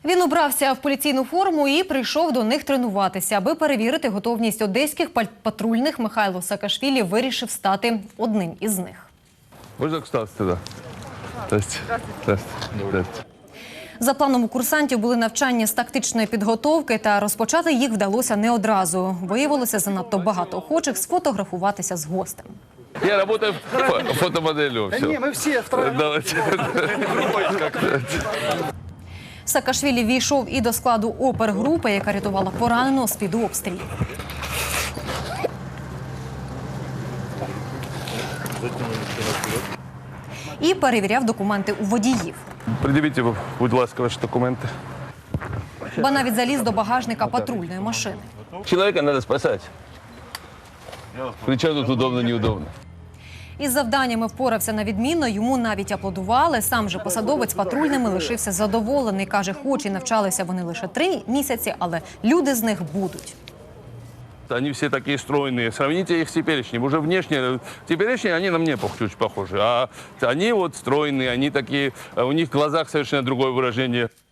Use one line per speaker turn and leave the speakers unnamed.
Він убрався в поліційну форму і прийшов до них тренуватися. Аби перевірити готовність одеських патрульних, Михайло Саакашвілі вирішив стати одним із них.
Можна встати туди? Здравствуйте.
За планом у курсантів були навчання з тактичної підготовки, та розпочати їх вдалося не одразу. Виявилося занадто багато охочих сфотографуватися з гостем.
Я працюю фотомоделлю.
Да не, мы все втроем.
Саакашвілі війшов і до складу опергрупи, яка рятувала пораненого з-під обстрілів. І перевіряв документи у водіїв.
Придивіть, будь ласка, ваші документи.
Ба навіть заліз до багажника патрульної машини.
Чоловіка треба спасати. Причому тут удобно, неудобно.
Із завданнями впорався на відмінно, йому навіть аплодували. Сам же посадовець патрульними лишився задоволений. Каже, хоч і навчалися вони лише 3 місяці, але люди з них будуть.
Они все такие стройные. Сравните их с теперешним. Уже внешне, теперешние, они на мне чуть похожи. А они вот стройные, они такие, у них в глазах совершенно другое выражение.